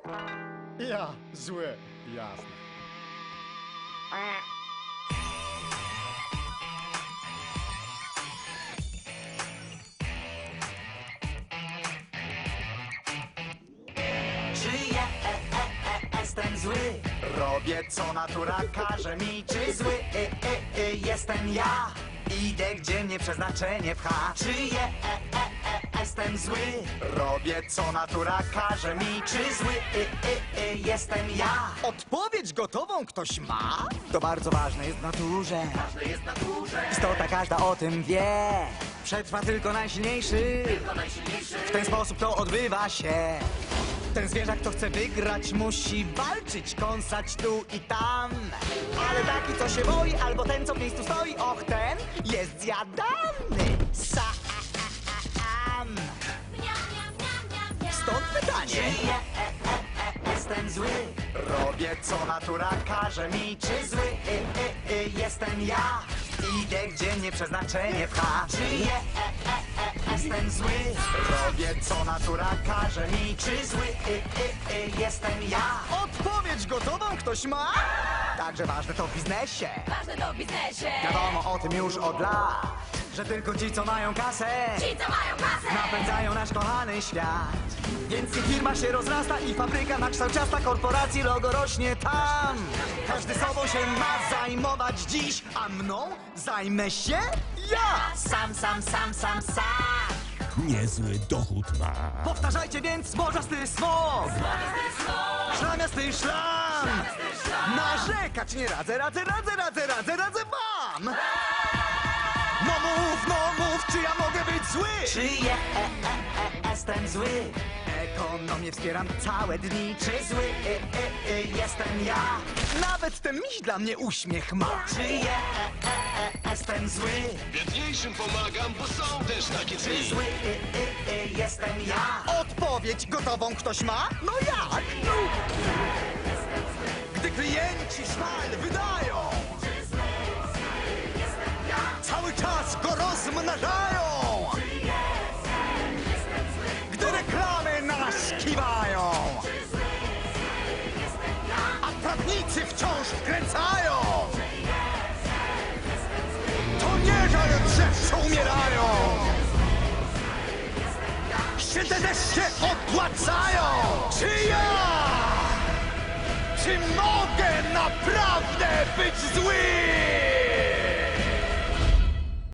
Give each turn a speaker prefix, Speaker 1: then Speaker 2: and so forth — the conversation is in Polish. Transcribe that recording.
Speaker 1: Ja, zły, jasne.
Speaker 2: Czy jestem zły? Robię co natura każe mi. Czy zły jestem ja? Idę gdzie mnie przeznaczenie pcha. Czy jestem zły? Robię co natura każe mi. Czy zły jestem ja?
Speaker 3: Odpowiedź gotową ktoś ma? To bardzo ważne jest w naturze. Istota każda o tym wie. Przetrwa tylko najsilniejszy. W ten sposób to odbywa się. Ten zwierzak, kto chce wygrać, musi walczyć, kąsać tu i tam. Ale taki, co się boi, albo ten, co w miejscu stoi, och, ten jest zjadany sam. Stąd pytanie.
Speaker 2: Jestem zły. Robię co natura każe mi. Czy zły jestem ja? Idę gdzie mnie przeznaczenie pcha. Czy jestem zły? Robię co natura każe mi. Czy zły jestem ja?
Speaker 3: Odpowiedź gotową ktoś ma? Także ważne to w biznesie.
Speaker 4: Ważne to w biznesie.
Speaker 3: Wiadomo o tym już od lat, że tylko ci, co mają kasę,
Speaker 4: Ci, co mają kasę.
Speaker 3: napędzają nasz kochany świat. Więc i firma się rozrasta i fabryka na kształt ciasta, korporacji logo rośnie tam. Każdy sobą się ma zajmować dziś, a mną zajmę się ja.
Speaker 2: Sam.
Speaker 5: Niezły dochód ma.
Speaker 3: Powtarzajcie więc zbożasty smok, szlamiasty szlam. Narzekać nie radzę wam. No mów, czy ja mogę być zły?
Speaker 2: Czy jestem zły?
Speaker 3: Ekonomię wspieram całe dni.
Speaker 2: Czy zły jestem ja?
Speaker 3: Nawet ten miś dla mnie uśmiech ma.
Speaker 2: Czy jestem zły?
Speaker 5: Biedniejszym pomagam, bo są też takie
Speaker 2: Czy
Speaker 5: dni.
Speaker 2: zły jestem ja?
Speaker 3: Odpowiedź gotową ktoś ma? No jak? Gdy klienci szmal wydają, cały czas go rozmnażają. Gdy reklamy nas kiwają, a prawnicy wciąż wkręcają, to nie żal drzew, co umierają. Się te deszcze opłacają. Czy ja? Czy mogę naprawdę być zły?